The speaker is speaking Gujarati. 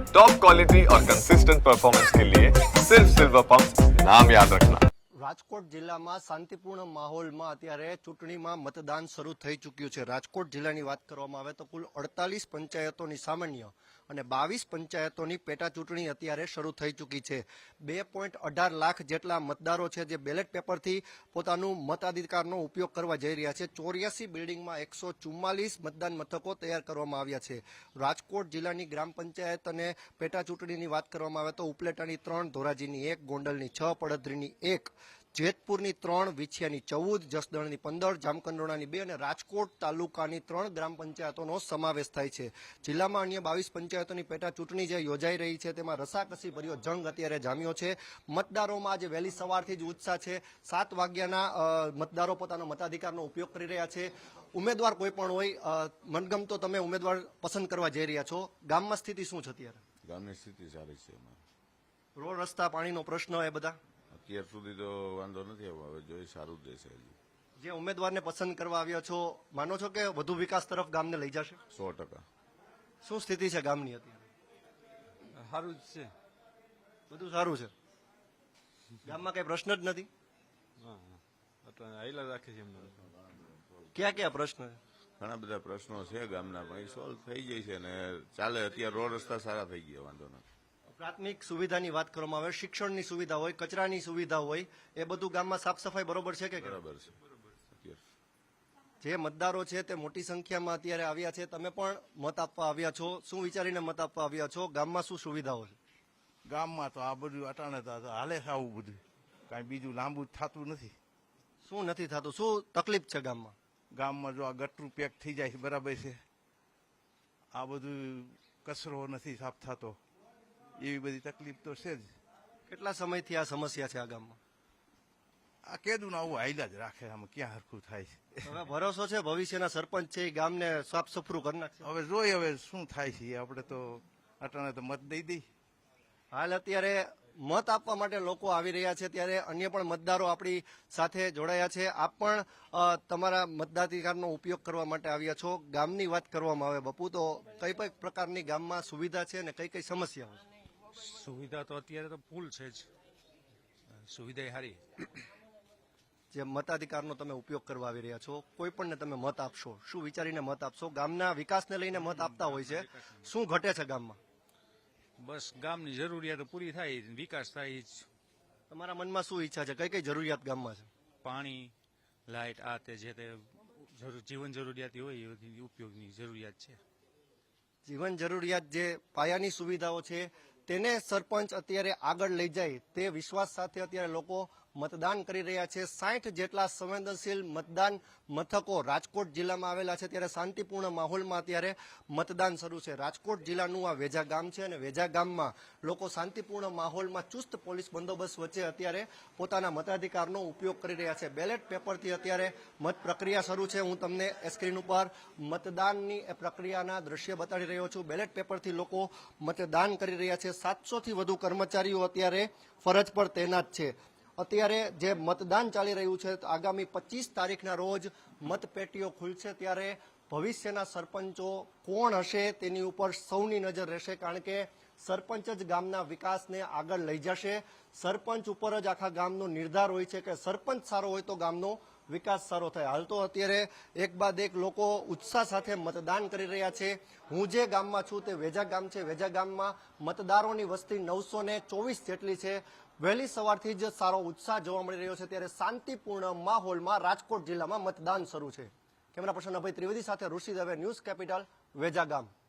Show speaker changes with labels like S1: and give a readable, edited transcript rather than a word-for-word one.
S1: टॉप क्वालिटी और कंसिस्टेंट परफॉर्मेंस के लिए सिर्फ सिल्वर पंप नाम याद रखना।
S2: રાજકોટ જિલ્લામાં શાંતિપૂર્ણ માહોલમાં અત્યારે ચૂંટણીમાં મતદાન શરૂ થઈ ચૂક્યું છે। રાજકોટ જિલ્લાની વાત કરવામાં આવે તો કુલ 48 પંચાયતોની સામાન્ય અને 22 પંચાયતોની પેટા ચૂંટણી અત્યારે શરૂ થઈ ચૂકી છે। 2.18 લાખ જેટલા મતદારો છે જે બેલેટ પેપરથી પોતાનું મતાધિકારનો ઉપયોગ કરવા જઈ રહ્યા છે। 84 બિલ્ડિંગમાં 144 મતદાન મથકો તૈયાર કરવામાં આવ્યા છે। રાજકોટ જિલ્લાની ગ્રામ પંચાયત અને પેટા ચૂંટણીની વાત કરવામાં આવે તો ઉપલેટાની 3, ધોરાજીની 1, ગોંડલની 6, પડધરીની 1, જેતપુરની 3, વિછિયાની 14, જસદણની 15, જામકંડોરણાની 2 અને રાજકોટ તાલુકાની 3 ગ્રામ પંચાયતોનો સમાવેશ થાય છે। જિલ્લામાં અન્ય 22 પંચાયતોની પેટા ચૂંટણી જે યોજાઈ રહી છે તેમાં રસાકસી ભર્યો જંગ અત્યારે જામ્યો છે। મતદારોમાં આજે વહેલી સવારથી જ ઉત્સાહ છે। 7 વાગ્યાના મતદારો પોતાનો મતાધિકારનો ઉપયોગ કરી રહ્યા છે। ઉમેદવાર કોઈ પણ હોય, મનગમતો તમે ઉમેદવાર પસંદ કરવા જઈ રહ્યા છો। ગામમાં સ્થિતિ શું છે અત્યારે?
S3: ગામની સ્થિતિ સારી છે।
S2: રોડ રસ્તા, પાણીનો પ્રશ્ન એ બધા
S3: અત્યાર સુધી તો વાંધો નથી આવ્યો, હવે જોઈએ સારું જ રહેશે।
S2: જે ઉમેદવારને પસંદ કરવા આવ્યા છો, માનો છો કે વધુ વિકાસ તરફ ગામને લઈ જશે?
S3: 100%।
S2: શું સ્થિતિ છે ગામની અત્યારે?
S4: સારું જ છે,
S2: બધું સારું છે, ગામમાં કઈ પ્રશ્ન જ નથી?
S4: આયલા રાખે છે એમને।
S2: ક્યાં ક્યાં પ્રશ્ન છે?
S3: ઘણા બધા પ્રશ્નો છે ગામના, પણ એ સોલ્વ થઈ જાય છે ને ચાલે। અત્યારે રોડ રસ્તા સારા થઈ ગયા, વાંધો નથી।
S2: પ્રાથમિક સુવિધાની વાત કરવામાં આવે, શિક્ષણની સુવિધા હોય, કચરાની સુવિધા હોય, એ બધું ગામમાં સાફ સફાઈ બરોબર છે કે?
S3: બરાબર છે।
S2: જે મતદારો છે તે મોટી સંખ્યામાં અત્યારે આવ્યા છે, તમે પણ મત આપવા આવ્યા છો, શું વિચારીને મત આપવા આવ્યા છો? ગામમાં શું સુવિધાઓ છે?
S5: ગામમાં તો આ બધું અટાણે તો હાલે છે, આવું બધું કાંઈ બીજું લાંબુ થતું નથી।
S2: શું નથી થતું? શું તકલીફ છે ગામમાં?
S5: ગામમાં જો આ ગટરું પેક થઈ જાય છે બરાબર છે, આ બધું કચરો નથી સાફ થતો, એવી બધી તકલીફ તો છે જ।
S2: કેટલા સમયથી આ સમસ્યા છે આ ગામમાં?
S5: આ કેદું આવું હાઈલા જ રાખે, આમાં ક્યાં હરખું થાય છે?
S2: હવે ભરોસો છે ભવિષ્યના સરપંચ છે એ ગામને સાફ સફરું કરી નાખશે?
S5: હવે જોઈએ હવે શું થાય છે, આપણે તો અટાણે તો મત દઈ દઈ।
S2: હાલ અત્યારે મત આપવા માટે લોકો આવી રહ્યા છે, ત્યારે અન્ય પણ મતદારો આપણી સાથે જોડાયા છે। આપ પણ તમારા મતાધિકારનો ઉપયોગ કરવા માટે આવ્યા છો। ગામની વાત કરવામાં આવે બપુ, તો કઈ કઈ પ્રકારની ગામમાં સુવિધા છે અને કઈ કઈ સમસ્યાઓ છે?
S4: સુવિધા તો અત્યારે તો ફૂલ છે જ, સુવિધા સારી।
S2: જે મતાધિકારનો તમે ઉપયોગ કરવા આવી રહ્યા છો, કોઈ પણને તમે મત આપશો, શું વિચારીને મત આપશો? ગામના વિકાસને લઈને મત આપતા હોય છે, શું ઘટે છે ગામમાં?
S4: બસ ગામની જરૂરિયાતો પૂરી થાય, વિકાસ થાય જ।
S2: તમારા મનમાં શું ઈચ્છા છે? કઈ કઈ જરૂરિયાત ગામમાં છે?
S4: પાણી, લાઇટ, આ તે જે તે જીવન જરૂરિયાત હોય એ ઉપયોગની જરૂરિયાત છે।
S2: જીવન જરૂરિયાત જે પાયાની સુવિધાઓ છે તેને સરપંચ અત્યારે આગળ લઈ જાય તે વિશ્વાસ સાથે અત્યારે લોકો મતદાન કરી રહ્યા છે। 60 જેટલા સંવેદનશીલ મતદાન મથકો રાજકોટ જિલ્લામાં આવેલા છે, ત્યારે શાંતિપૂર્ણ માહોલમાં અત્યારે મતદાન શરૂ છે। રાજકોટ જિલ્લાનું આ વેજા ગામ છે અને વેજા ગામમાં લોકો શાંતિપૂર્ણ માહોલમાં ચુસ્ત પોલીસ બંદોબસ્ત વચ્ચે અત્યારે પોતાના મતાધિકારનો ઉપયોગ કરી રહ્યા છે। બેલેટ પેપરથી અત્યારે મત પ્રક્રિયા શરૂ છે। હું તમને સ્ક્રીન ઉપર મતદાનની પ્રક્રિયાના દ્રશ્ય બતાડી રહ્યો છું। બેલેટ પેપરથી લોકો મતદાન કરી રહ્યા છે। 700થી વધુ કર્મચારીઓ અત્યારે ફરજ પર તૈનાત છે। અત્યારે જે મતદાન ચાલી રહ્યું છે, આગામી 25 તારીખના રોજ મતપેટીઓ ખુલશે, ત્યારે ભવિષ્યના સરપંચો કોણ હશે તેની ઉપર સૌની નજર રહેશે, કારણ કે સરપંચ જ ગામના વિકાસને આગળ લઈ જશે। સરપંચ ઉપર જ આખા ગામનો નિર્ધાર હોય છે કે સરપંચ સારો હોય તો ગામનો વિકાસ સારો થાય। હાલ તો અત્યારે એક બાદ એક લોકો ઉત્સાહ સાથે મતદાન કરી રહ્યા છે। હું જે ગામમાં છું તે વેજા ગામ છે। વેજા ગામમાં મતદારોની વસ્તી 924 જેટલી છે। વહેલી સવારથી જ સારો ઉત્સાહ જોવા મળી રહ્યો છે, ત્યારે શાંતિપૂર્ણ માહોલમાં રાજકોટ જિલ્લામાં મતદાન શરૂ છે। કેમેરા પર્સન અભય ત્રિવેદી સાથે ઋષિ દવે, ન્યૂઝ કેપિટલ, વેજા ગામ।